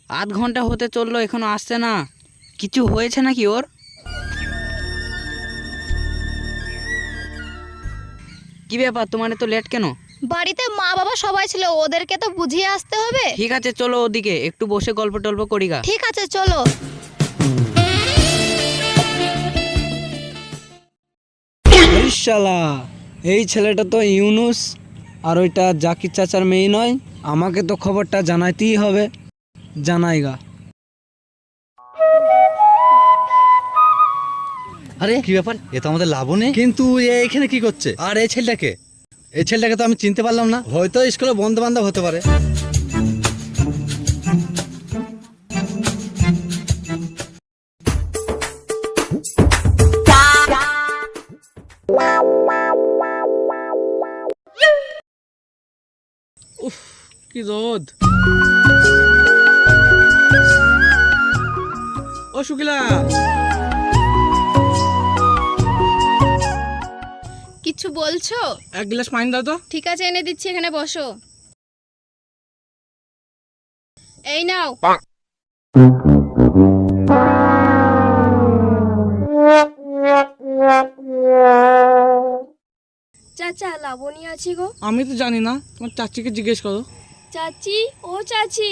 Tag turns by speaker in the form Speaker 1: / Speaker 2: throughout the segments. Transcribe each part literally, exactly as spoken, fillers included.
Speaker 1: আধ ঘন্টা হতে চললো, এখনো আসছে না। কিছু হয়েছে নাকি ওর? কি ব্যাপার, তোমার তো লেট কেন?
Speaker 2: বাড়িতে মা বাবা সবাই ছিল, ওদেরকে তো বুঝিয়ে আসতে হবে।
Speaker 1: ঠিক আছে চলো ওদিকে একটু বসে গল্প টল্প করি গা।
Speaker 2: ঠিক আছে চলো।
Speaker 3: শালা, এই ছেলেটা তো ইউনুস আর ওইটা জাকির চাচার মেয়ে নয়। আমাকে তো খবরটা জানাইতেই হবে। জানাইগা।
Speaker 4: আরে কি ব্যাপার, এ তো আমাদের লাবণী, কিন্তু এ এখানে কি করছে? আর এই ছেলেটাকে এই ছেলেটাকে তো আমি চিনতে পারলাম না। হয়তো স্কুলে বন্ধু বান্ধব হতে পারে।
Speaker 5: উফ কি রোদ। ও শুকিলা,
Speaker 2: কিছু বলছো?
Speaker 5: এক গ্লাস পানি দাও তো।
Speaker 2: ঠিক আছে এনে দিচ্ছি, এখানে বসো। এই নাও। চাচা লাবণী আছি গো।
Speaker 5: আমি তো জানি না, তোমার চাচিকে জিজ্ঞেস করো।
Speaker 2: চাচি, ও চাচি।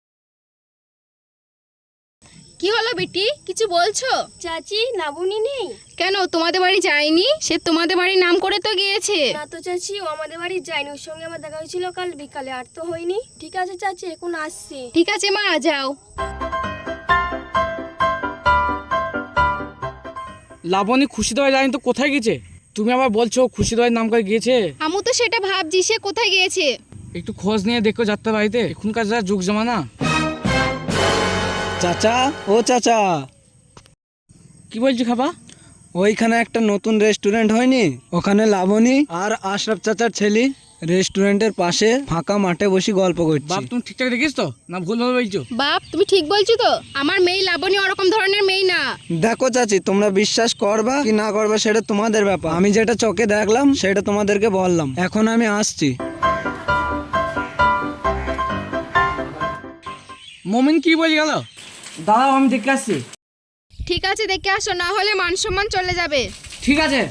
Speaker 2: কি হলো বেটি, কিছু বলছো? চাচি লাবণী নেই কেন? তোমাদের বাড়ি যায়নি? সে তোমাদের বাড়ির নাম করে তো গিয়েছে।
Speaker 6: না তো চাচি, ও আমাদের বাড়ি যায়নি। ওর সঙ্গে আমার দেখা হয়েছিল কাল বিকালে, আর তো হয়নি। ঠিক আছে চাচি, এখন আসছি।
Speaker 2: ঠিক আছে মা, যাও।
Speaker 5: লাবণী খুশি দেওয়া জানি তো কোথায় গেছে? তুমি আবার বলছো খুশি দেওয়ার নাম করে গিয়েছে।
Speaker 2: আমু তো সেটা ভাবছি, সে কোথায় গিয়েছে।
Speaker 5: একটু খোঁজ নিয়ে দেখো যাত্রা বাড়িতে, এখনকার যা যুগ জমানা।
Speaker 3: চাচা, ও চাচা,
Speaker 5: কি বলছি খাবা?
Speaker 3: ওইখানে একটা নতুন রেস্টুরেন্ট হয়নি? ওখানে লাবণী আর আশরাফ চাচার ছেলে রেস্টুরেন্টের পাশে ফাঁকা মাঠে বসে গল্প করছে।
Speaker 5: বাপ তুমি ঠিকঠাক দেখিস তো, না ভুল ভাবে বলছো?
Speaker 2: বাপ তুমি ঠিক বলছো তো? আমার মেয়ে লাবণী ওরকম ধরনের মেয়ে না।
Speaker 3: দেখো চাচি, তোমরা বিশ্বাস করবা কি না করবা সেটা তোমাদের ব্যাপার। আমি যেটা চোখে দেখলাম সেটা তোমাদেরকে বললাম। এখন আমি আসছি।
Speaker 5: মমিন কি বলে গেল? দাঁড়াও আমি দেখে আসছি।
Speaker 2: ঠিক আছে দেখে আসো, না হলে মান সম্মান চলে যাবে।
Speaker 5: ঠিক আছে।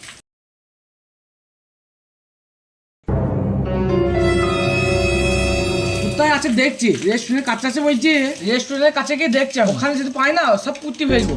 Speaker 5: কোথায় আছে দেখছি, রেস্টুরেন্টের কাছে আছে বলছি। রেস্টুরেন্টের কাছে গিয়ে দেখছি, ওখানে যদি পাই না সব পুঁতি ফেলবো।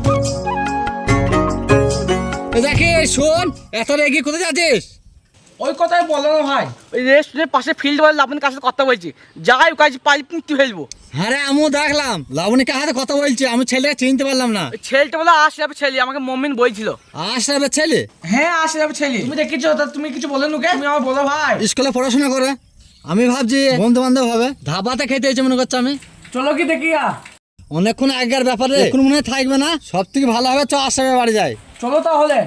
Speaker 4: দেখে শোন, এত রেগে কোথায় যাচ্ছিস?
Speaker 5: ওই কথাই বলো না ভাই, ওই রেস্টুরেন্টের পাশে ফিল্ড বলে আপনার কাছে কথা বলছি। যাই কাজ পাই পুঁতি ফেলবো।
Speaker 4: হ্যাঁ রে, আমিও দেখলাম লাবণীকে হাতে কথা বলছি। আমি ছেলেটাকে চিনতে পারলাম না।
Speaker 5: ওই ছেলেটা বলে আশরাফের ছেলে, আমাকে মমিন বলছিল।
Speaker 4: আশরাফের ছেলে?
Speaker 5: হ্যাঁ আশরাফের ছেলে। তুমি দেখেছো তা তুমি কিছু বলে নুকে? তুমি আমার বলো ভাই।
Speaker 4: স্কুলে পড়াশোনা করে, আমি ভাবছি বন্ধু বান্ধব হবে। ধাবাতে খেতে এসে মনে করছে আমি।
Speaker 5: চলো কি দেখি।
Speaker 4: অনেকক্ষণ আগের ব্যাপারে এখন মনে হয় থাকবে না। সব থেকে ভালো হবে চ আশরাফের বাড়ি যাই।
Speaker 5: চলো তাহলে।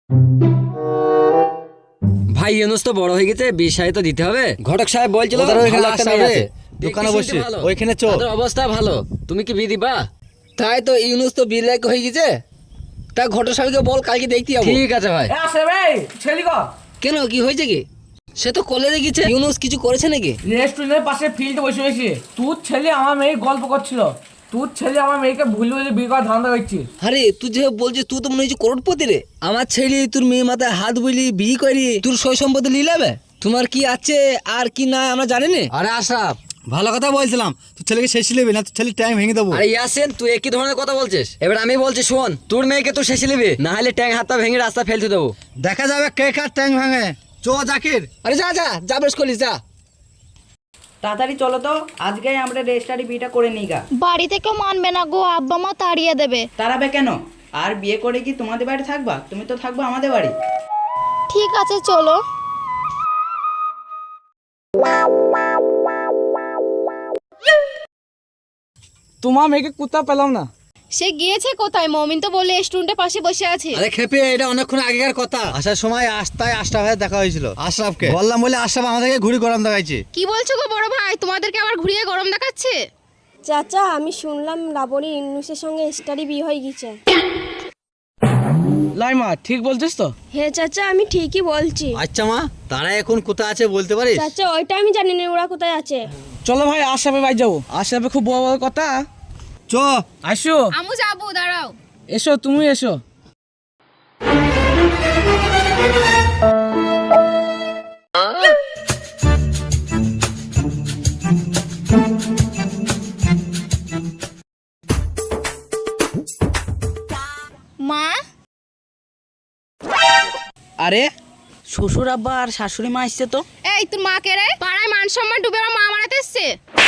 Speaker 7: ভাই ইউনুস তো বড় হয়ে গেছে, বিশ সাহে তো দিতে হবে। ঘটক সাহেব বলছিল
Speaker 4: ওদের ওইখানে
Speaker 7: ভালো একটা
Speaker 4: আসতে
Speaker 7: মেয়ে
Speaker 4: হবে।
Speaker 7: আছে।
Speaker 4: দোকানে
Speaker 7: দেখতে
Speaker 4: বসছি,
Speaker 7: শুনতে ভালো।
Speaker 4: ওইখানে চ।
Speaker 7: তাদের অবস্থা ভালো, তুমি কি বিয়ে দিবা?
Speaker 8: তাই তো ইউনুস তো বিয়ে লায়ক হয়ে গেছে। তা ঘটক সাহেবকে বল কালকে দেখতে যাবো।
Speaker 7: ঠিক আছে ভাই।
Speaker 5: আশরাফ এই ছেলে গো।
Speaker 8: কেন, কি হয়েছে কি? সে তো কলেজে গেছে। ইউনুস কিছু করেছে নাকি?
Speaker 5: রেস্টুরেন্টের পাশে ফিল্ডে বসে বসে তোর ছেলে আমার মেয়ে গল্প করছিল। তোর ছেলে আমার মেয়েকে ভুল বুঝে বিয়ে করার ধান্দা করছিস।
Speaker 8: আরে তুই যে বলছিস, তুই তো মনে হচ্ছে করোড়পতি রে। আমার ছেলে তোর মেয়ে মাথায় হাত বুলি বিয়ে করি তোর সই সম্পত্তি লিলাবে। তোমার কি আছে আর কি না আমরা জানি না।
Speaker 4: আরে আশরাফ, ভালো কথা বলছিলাম, তোর ছেলেকে শেষ নেবে না, তোর ছেলে ট্যাং ভেঙে দেবো।
Speaker 7: আরে ইয়াসিন, তুই একই ধরনের কথা বলছিস। এবার আমি বলছি শোন, তোর মেয়েকে তো শেষে নিবি, না হলে ট্যাং হাতটা ভেঙে রাস্তা ফেলতে দেবো।
Speaker 4: দেখা যাবে কে কার ট্যাং ভাঙে। চ জাকির।
Speaker 8: আরে যা যা যা বেশ করলিস যা।
Speaker 1: তাড়াতাড়ি চলো তো, আজকেই আমরা রেজিস্ট্রারি বিয়েটা করে নিই গা।
Speaker 2: বাড়িতে কেউ মানবে না গো, আব্বা মা তাড়িয়ে দেবে।
Speaker 1: তাড়াবে কেন? আর বিয়ে করে কি তোমাদের বাড়ি থাকবা? তুমি তো থাকবা আমাদের বাড়ি।
Speaker 2: ঠিক আছে চলো।
Speaker 5: তোমার মেয়েকে কোথাও পেলাম না।
Speaker 2: সে গিয়েছে কোথায়? মমিন তো বলে রেস্টুরেন্টের পাশে বসে আছে।
Speaker 4: আরে খেপে, এটা অনেকক্ষণ আগেকার কথা। আসার সময় আস্তায় আশরাফের দেখা হয়েছিল। আশরাফকে বললাম বলে আশরাফ আমাদেরকে ঘুরি গরম দেখাইছে।
Speaker 2: কি বলছো গো বড় ভাই, তোমাদেরকে আবার ঘুরিয়ে গরম দেখাচ্ছে?
Speaker 6: চাচা, আমি শুনলাম লাবণী ইউনুসের সঙ্গে স্টাডি বিয়ে হয়ে গেছে।
Speaker 5: লাইমা ঠিক বলছিস তো?
Speaker 6: হ্যাঁ চাচা, আমি ঠিকই বলছি।
Speaker 4: আচ্ছা মা, তারা এখন কোথায় আছে বলতে পারিস?
Speaker 6: চাচা ওইটা আমি জানি না, ওরা কোথায় আছে।
Speaker 4: চ
Speaker 5: চলো ভাই আশরাফের বাড়ি যাবো। আশরাফে খুব বড় বড় কথা।
Speaker 3: চ
Speaker 5: আসো
Speaker 2: আমু যাবো, দাঁড়াও।
Speaker 5: এসো, তুমি এসো।
Speaker 2: মা,
Speaker 1: আরে শ্বশুর আব্বা আর শাশুড়ি মা আসছে তো।
Speaker 2: এই তোর মা কে রে? পাড়ায় মান সম্মান ডুবে আমার মা মারাতে এসছে।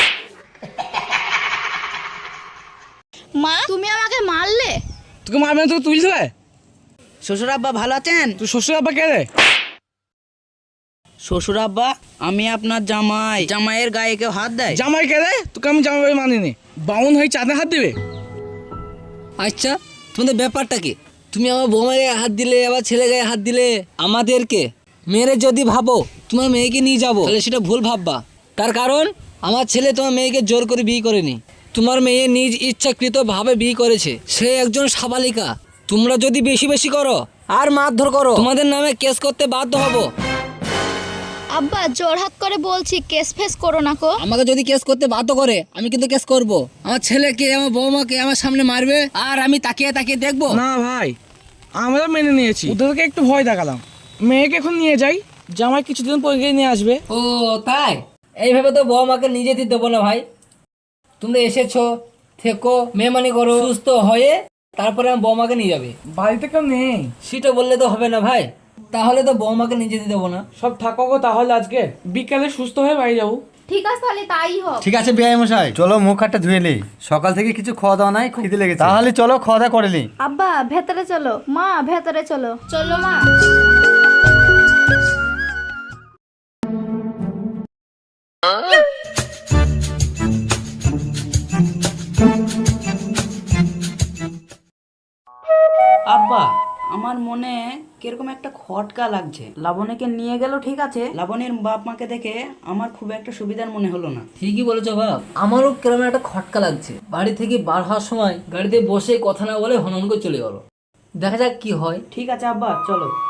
Speaker 2: মা, তুমি আমাকে মারলে?
Speaker 5: তোকে মারবে না, তোকে তুলতে হবে।
Speaker 1: শ্বশুর আব্বা ভালো আছেন?
Speaker 5: তুই শ্বশুর আব্বা কে রে?
Speaker 1: শ্বশুর আব্বা, আমি আপনার জামাই। জামাইয়ের গায়ে কেউ হাত দেয়?
Speaker 5: জামাই কে রে? তোকে আমি জামাই বাড়ি মানিনি। বাউন হয়ে চাঁদে হাত দিবে?
Speaker 8: আচ্ছা, তোমাদের ব্যাপারটা কি? তুমি আমার বৌমার গায়ে হাত দিলে, আবার ছেলে গায়ে হাত দিলে। আমাদেরকে মেরে যদি ভাবো তোমার মেয়েকে নিয়ে যাবো, তাহলে সেটা ভুল ভাববা। তার কারণ আমার ছেলে তোমার মেয়েকে জোর করে বিয়ে করেনি। তোমার মেয়ে নিজ ইচ্ছাকৃত ভাবে বিয়ে করেছে। সে একজন সাবালিকা। তোমরা যদি বেশি বেশি করো আর মারধর করো, তোমাদের নামে কেস করতে বাধ্য হবো।
Speaker 2: আব্বা জোরহাত করে বলছি, কেস ফেস করো না কো।
Speaker 8: আমাকে যদি কেস করতে বাধ্য করে, আমি কিন্তু কেস করব। আমার ছেলেকে, আমার বৌমাকে আমার সামনে মারবে, আর আমি তাকিয়ে তাকিয়ে দেখবো?
Speaker 5: না ভাই, আমরা মেনে নিয়েছি। ওদেরকে একটু ভয় দেখালাম। মেয়েকে এখন নিয়ে যাই, জামাই কিছুদিন পরে গিয়ে নিয়ে আসবে।
Speaker 8: ও তাই? এইভাবে তো বৌমাকে নিয়ে যেতে দেবো না ভাই। তোমরা এসেছো, থেকো, মেহমানি করো, সুস্থ হয়ে তারপরে আমার বৌমাকে নিয়ে যাবে।
Speaker 5: বাড়িতে কেউ নেই।
Speaker 8: সেটা বললে তো হবে না ভাই। তাহলে তো বৌমাকে নিয়ে যেতে দেবো না।
Speaker 5: সব থাকো গো তাহলে, আজকে বিকালে সুস্থ হয়ে বাড়ি যাবো।
Speaker 2: ঠিক আছে, তাহলে তাই হোক।
Speaker 4: ঠিক আছে বিআই মশাই, চলো মুখ হাতটা ধুয়ে নি। সকাল থেকে কিছু খাওয়া দাওয়া নাই, খুব খিদে লেগেছে। তাহলে চলো খাওয়া দাওয়া করে নি।
Speaker 6: আব্বা ভেতরে চলো, মা ভেতরে চলো।
Speaker 2: চলো মা।
Speaker 1: আব্বা, আমার মনে কিরকম একটা খটকা লাগছে। লাবণীকে নিয়ে গেল ঠিক আছে, লাবণীর বাপ মাকে দেখে আমার খুব একটা সুবিধার মনে হলো না।
Speaker 8: ঠিকই বলেছো বাপ, আমারও কেমন একটা খটকা লাগছে। বাড়ি থেকে বার হওয়ার সময় গাড়িতে বসে কথা না বলে হনন করে চলে গেলো। দেখা যাক কি হয়।
Speaker 1: ঠিক আছে আব্বা, চলো।